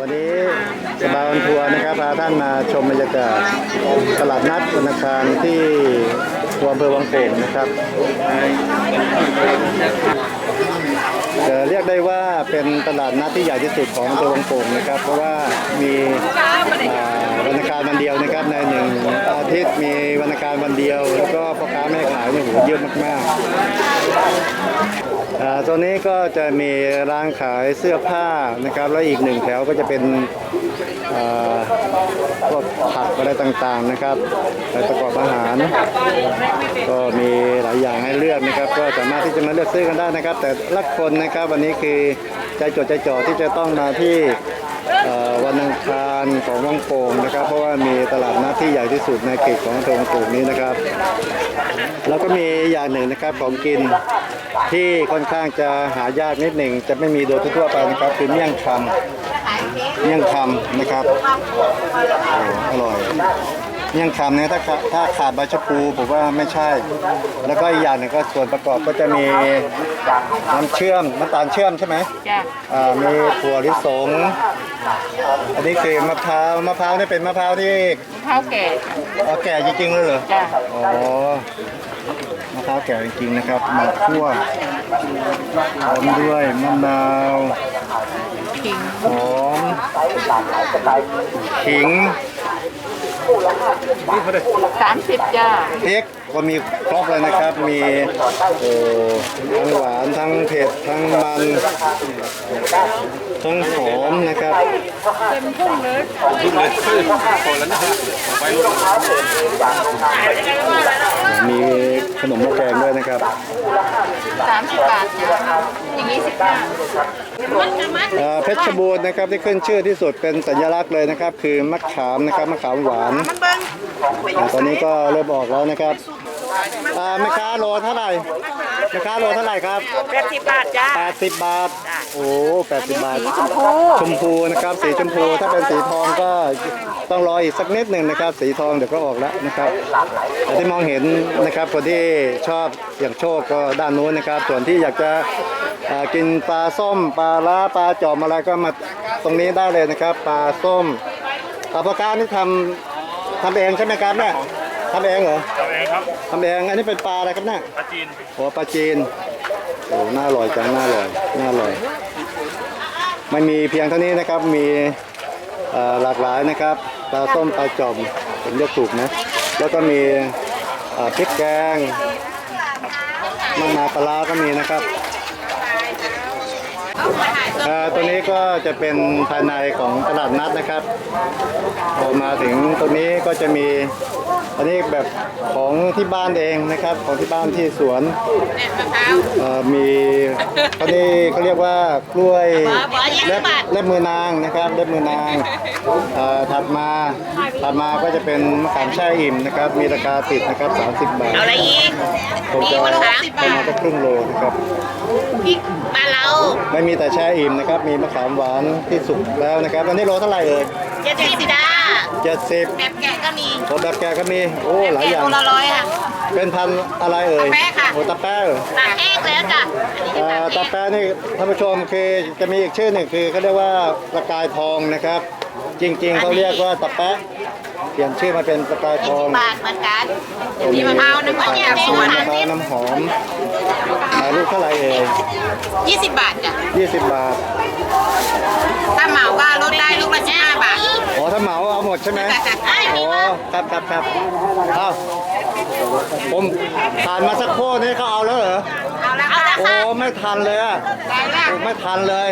วันนี้สบายวันทัวร์นะครับพาท่านมาชมบรรยากาศตลาดนัดวันอังคารที่อำเภอวังโป่งนะครับจะเรียกได้ว่าเป็นตลาดนัดที่ใหญ่ที่สุดของอำเภอวังโป่งนะครับเพราะว่ามีวันอังคารวันเดียวนะครับในหนึ่งอาทิตย์มีวันอังคารวันเดียวแล้วก็พ่อค้าแม่ขายเนี่ยเยอะมากๆตัวนี้ก็จะมีร้านขายเสื้อผ้านะครับแล้วอีกหนึ่งแถวก็จะเป็นพวกผักอะไรต่างๆนะครับประกอบอาหารก็มีหลายอย่างให้เลือกนะครับก็สามารถที่จะมาเลือกซื้อกันได้นะครับแต่ละคนนะครับวันนี้คือใจจดใจจ่อที่จะต้องมาที่วันอังคารของวังโป่งนะครับเพราะว่ามีตลาดนัดที่ใหญ่ที่สุดในเขตของอำเภอวังโป่งนี้นะครับแล้วก็มีอย่างหนึ่งนะครับของกินที่ค่อนข้างจะหายากนิดหนึ่งจะไม่มีโดยทั่วไปนะครับคือเมี่ยงคำนะครับอร่อยเมี่ยงคำเนี่ยถ้าขาดใบชะพูผมว่าไม่ใช่แล้วก็อีกอย่างหนึ่งก็ส่วนประกอบก็จะมีน้ำตาลเชื่อมใช่ไหมมีถั่วลิสงอันนี้คือมะพร้าวนี่เป็นมะพร้าวที่มะพร้าวแก่แก่จริงๆเลยเหรออ๋อมะพร้าวแก่จริงๆนะครับมาคั่วพร้อมด้วยมะนาวหอมขิง 30จ้าพริกก็มีครบเลยนะครับมีทั้งหวานทั้งเผ็ดทั้งมันทั้งหอมนะครับเต็มทุ่งเลยมีขนมหม้อแกงด้วยนะครับ 30 บาทอย่างนี้15 เพชรบูรณ์นะครับที่ขึ้นชื่อที่สุดเป็นสัญลักษณ์เลยนะครับคือมะขามนะครับมะขามหวานตอนนี้ก็เริ่มออกแล้วนะครับแม่ค้าโลเท่าไหร่ครับ 80 บาทจ้า 80 บาทโอ้80 บาทชมพูนะครับสีชมพูถ้าเป็นสีทองก็ต้องรออีกสักนิดหนึ่งนะครับสีทองเดี๋ยวก็ออกแล้วนะครับแต่ที่มองเห็นนะครับคนที่ชอบอย่างโชคก็ด้านนู้นนะครับส่วนที่อยากจะกินปลาส้มปลาล้าปลาจอมอะไรก็มาตรงนี้ได้เลยนะครับปลาส้มพ่อค้านี่ทำเองใช่ไหมครับเนี่ยทำเองเหรอทำเองครับทำเองอันนี้เป็นปลาอะไรครับเนี่ยปลาจีนปลาจีนโอ้น่าอร่อยจังน่าอร่อยไม่มีเพียงเท่านี้นะครับมีหลากหลายนะครับปลาส้มปลาจอมผมเรียกถูกนะแล้วก็มีพริกแกงมะนาวปลาก็มีนะครับตัวนี้ก็จะเป็นภายในของตลาดนัดนะครับพอมาถึงตรงนี้ก็จะมีอันนี้แบบของที่บ้านเองนะครับของที่บ้านที่สวนมีอันนี้เขาเรียกว่ากล้วยเล็บมือนางนะครับเล็บมือนางถัดมาก็จะเป็นมะขามแช่อิ่มนะครับมีราคาติดนะครับ30 บาทเอาอะไรอีกผมจะประมาณครึ่งโลนะครับพริกบ้านเราไม่มีแต่แช่อิ่มนะครับมีมะขามหวานที่สุกแล้วนะครับอันนี้โลเท่าไหร่เอ่ย 70จ้า 70 แบบแกะก็มีแบบแกะก็มีโอ้หลายอย่างละ100ค่ะเป็นพันอะไรเอ่ยตะแป๊ะค่ะตะแป๊ะตะแป๊ะแล้วจ้ะตะแป๊ะนี่ท่านผู้ชมคือจะมีอีกชื่อหนึ่งคือเขาเรียกว่าประกายทองนะครับจริงๆเขาเรียกว่าตะแป๊ะเปลี่ยนชื่อมาเป็นประกายทองบาทเหมือนกันมีมะพร้าวน้ำหอมสวนมะพร้าวน้ำหอมลูกเท่าไหร่เอ่ย 20 บาทจ้ะ 20 บาทถ้าเหมาก็ลดได้ลูกละ15 บาทอ๋อถ้าเหมาเอาหมดใช่ไหมอ๋อครับผมผ่านมาสักโครู่นี้เขาเอาแล้วเหรอเอาแล้วโอ้ไม่ทันเลยไม่ทันเลย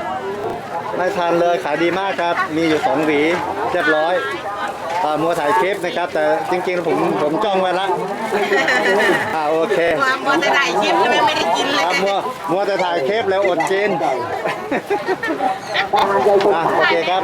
ขายดีมากครับมีอยู่2 หวีเรียบร้อยมัวถ่ายคลิปนะครับแต่จริงๆผมจ้องไว้ละโอเคมัวแต่ถ่ายคลิปไม่ได้กินเลยมัวแต่ถ่ายคลิปแล้วอดกินโอเคครับ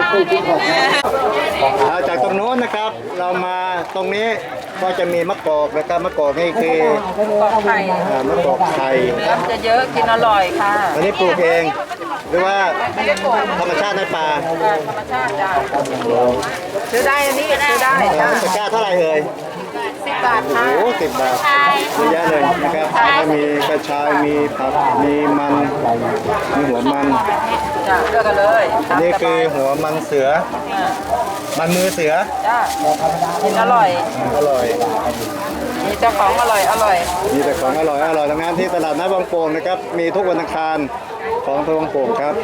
จากตรงโน้นนะครับเรามาตรงนี้ก็จะมีมะกอกนะครับมะกอกนี่คือมะกอกไข่จะเยอะกินอร่อยค่ะอันนี้ปลูกเองหรือว่าธรรมชาติในป่าธรรมชาติจ้ะซื้อได้อันนี้ซื้อได้ตะกร้าเท่าไหร่เอ่ยบาทโอ้ค่ะโห10 บาทเยอะแยะเลยนะครับแล้วก็มีกระชายมีผักมีมันมีหัวมันจ้ะเลือกกันเลยอันนี้คือหัวมันเสือ มันมือเสือจ้ะกินอร่อยอร่อยมีเจ้าของอร่อยอร่อยมีแต่ของอร่อยอร่อยทั้งนั้นที่ตลาดนัดบางโป่งนะครับ มีทุกวันอังคารของทางบางโป่งครับ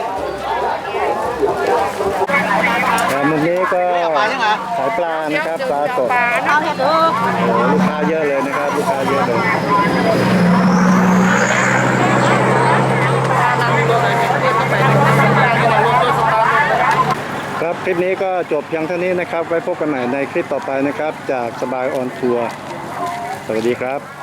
มุมนี้ก็ขายปลานะครับปลาสดเอาให้ดูโอ้ลูกค้าเยอะเลยนะครับลูกค้าเยอะเลยครับคลิปนี้ก็จบเพียงเท่านี้นะครับ ไว้พบกันใหม่ในคลิปต่อไปนะครับ จากสบายออนทัวร์สวัสดีครับ